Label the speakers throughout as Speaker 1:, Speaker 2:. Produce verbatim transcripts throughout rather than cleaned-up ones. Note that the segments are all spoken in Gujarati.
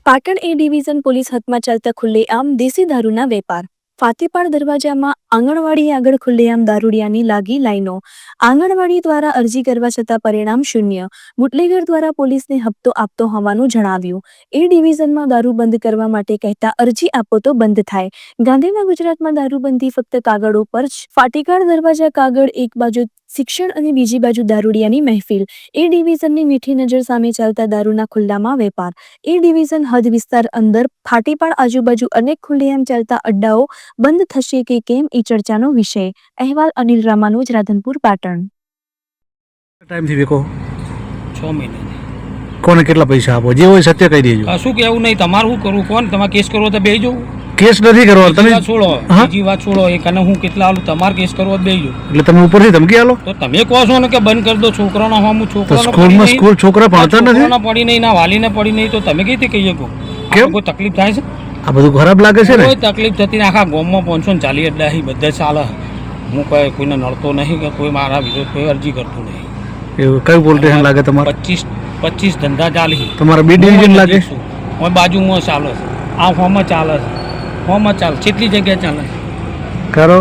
Speaker 1: પાટણ એ ડિવિઝન પોલીસ હાથમાં ચાલતા ખુલ્લેઆમ દેશી દારૂના વેપાર. ફાતેપાડ દરવાજામાં આંગણવાડી આગળ ખુલ્લેઆમ દારૂડિયાની લાગી લાઈનો. આંગણવાડી દ્વારા અરજી કરવા છતાં પરિણામ શૂન્ય. બુટલેગર દ્વારા પોલીસને હપ્તો આપતો હોવાનું જણાવ્યું. એ ડિવિઝનમાં દારૂ બંધ કરવા માટે કહેતા અરજી આપો તો બંધ થાય. ગાંધીમાં ગુજરાતમાં દારૂબંધી ફક્ત કાગળ ઉપર જ. ફાટેપાડ દરવાજા કાગળ એક બાજુ શિક્ષણ અને બીજી બાજુ દારૂડિયાની મહેફિલ. એ ડિવિઝનની મીઠી નજર સામે ચાલતા દારૂના ખુલ્લામાં વેપાર. એ ડિવિઝન હદ વિસ્તાર અંદર ફાટેપાડ આજુબાજુ અનેક ખુલ્લેઆમ ચાલતા અડ્ડાઓ બંધ થશે કે કેમ એ ચર્ચાનો વિષય. અહેવાલ અનિલ રામાનુજ, રાધનપુર, પાટણ.
Speaker 2: ટાઈમથી વેકો
Speaker 3: છ મહિના
Speaker 2: કોને કેટલા પૈસા આપો જે હોય સત્ય કહી દેજો.
Speaker 3: કશું કેવું નહીં, તમારે શું કરવું કોણ, તમારે કેસ કરવો તો બેસી જવું.
Speaker 2: કેસ નથી કરવાનો તમે
Speaker 3: વાત છોડો, બીજી વાત છોડો, એ કને હું કેટલા આલું, તમારે કેસ કરવો તો બેસી જવું.
Speaker 2: એટલે તમે ઉપરથી ધમકી આલો
Speaker 3: તો તમે કહો છો ને કે બંધ કરી દો છોકરાનો હું
Speaker 2: તો
Speaker 3: છોકરાનો
Speaker 2: સ્કૂલમાં સ્કૂલ છોકરા ભણતા નથી
Speaker 3: છોકરાનો પડી નહીં ના વાલીને પડી નહીં તો તમે કઈ રીતે કહીએ કહો
Speaker 2: કેમ?
Speaker 3: કોઈ તકલીફ થાય છે?
Speaker 2: આ બધું ખરાબ લાગે છે ને.
Speaker 3: કોઈ તકલીફ થતી ને આખા ગામમાં પાંચસો ને ચાલીસ અડ્ડા અહીં બધા ચાલે. હું કોઈ કોઈને નડતો નહીં કે કોઈ મારા વિરોધ કોઈ અરજી કરતું નહીં.
Speaker 2: એવું કયું પોલીસ સ્ટેશન લાગે તમારે?
Speaker 3: પચીસ પચીસ ધંધા ચાલી
Speaker 2: તમારા બી ડિવિઝન લાગે?
Speaker 3: હું બાજુમાં ચાલે છે, આ ફોર્મમાં ચાલે છે, ફોર્મમાં ચાલે કેટલી જગ્યાએ ચાલે
Speaker 2: કરો.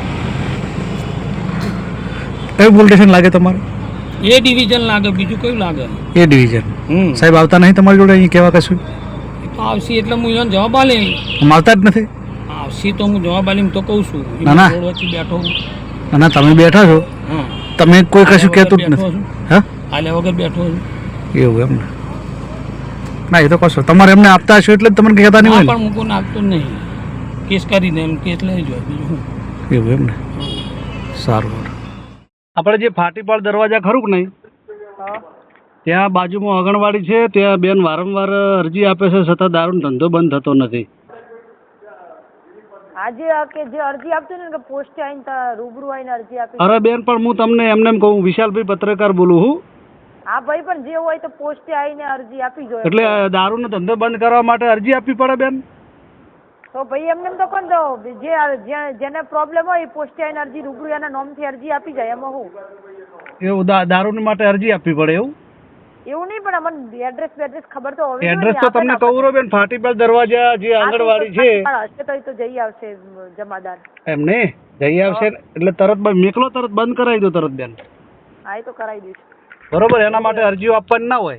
Speaker 2: કયું પોલીસ સ્ટેશન લાગે તમારે?
Speaker 3: એ ડિવિઝન લાગે, બીજું કયું લાગે?
Speaker 2: એ ડિવિઝન.
Speaker 3: હમ
Speaker 2: સાહેબ આવતા નહીં તમારી જોડે અહીં કેવા કશું?
Speaker 3: તો આવશે એટલે હું એને જવાબ આલી.
Speaker 2: આમ આવતા જ નથી.
Speaker 3: આવશે તો હું જવાબ આલી તો કહું છું.
Speaker 2: ના, ના.
Speaker 3: રોડ વચ્ચે બેઠો હું.
Speaker 2: ના ના તમે બેઠા છો,
Speaker 3: હા,
Speaker 2: તમે કોઈ કશું
Speaker 3: આલ્યા
Speaker 2: કહેતું જ
Speaker 3: વગર બેઠો
Speaker 2: નથી.
Speaker 3: છું.
Speaker 2: હા
Speaker 3: આલ્યા વગર બેઠો છું.
Speaker 2: એવું એમ ને? ના એ તો કશો તમારે એમને આપતા હશો એટલે જ તમને કહેતા નહીં
Speaker 3: હા,
Speaker 2: હોય
Speaker 3: પણ હું કોઈ નાખતો જ નહીં. કેસ કરીને એમ કેસ લઈ જાય બીજું શું.
Speaker 2: ને? એવું એમ ને? સારું. આપણે જે ફાટીપાડ દરવાજા ખરું કે નહીં, ત્યાં બાજુમાં આંગણવાડી છે, ત્યાં બેન વારંવાર અરજી આપે છે છતાં દારૂનો ધંધો બંધ થતો નથી.
Speaker 4: આજે આ કે જે અરજી આપતું ને કે પોસ્ટે આવીને તા રૂબરૂ આવીને અરજી આપી.
Speaker 2: અરે બેન પણ હું તમને એમને એમ કહું, વિશાલભાઈ પત્રકાર બોલું હું.
Speaker 4: હા ભાઈ, પણ જે હોય તો પોસ્ટે આવીને અરજી આપી જોઈએ.
Speaker 2: એટલે દારૂનો ધંધો બંધ કરવા માટે અરજી આપવી પડે બેન?
Speaker 4: તો ભાઈ એમને એમ તો કોણ દો જે જ્યાં- જેને પ્રોબ્લેમ હોય એ પોસ્ટે આવીને અરજી રૂબરૂ એના નામથી અરજી આપી જાય, એમાં હું
Speaker 2: એવું દા- દારૂની માટે અરજી આપવી પડે એવું?
Speaker 4: એવું નહીં, પણ અમને એડ્રેસ બેડ્રેસ ખબર તો હોવી
Speaker 2: એડ્રેસ તો તમને કહું રહો બેન, ફાટીપાડ દરવાજા જે આંગણવાડી છે
Speaker 4: હશે તો એ તો જઈ આવશે જમાદાર.
Speaker 2: એમ ને જઈ આવશે એટલે તરત બ- મેકલો તરત બંધ કરાવી દો તરત બેન,
Speaker 4: હા, એ તો કરાવી દઈશ.
Speaker 2: બરોબર? એના માટે અરજીઓ આપવાની ના હોય.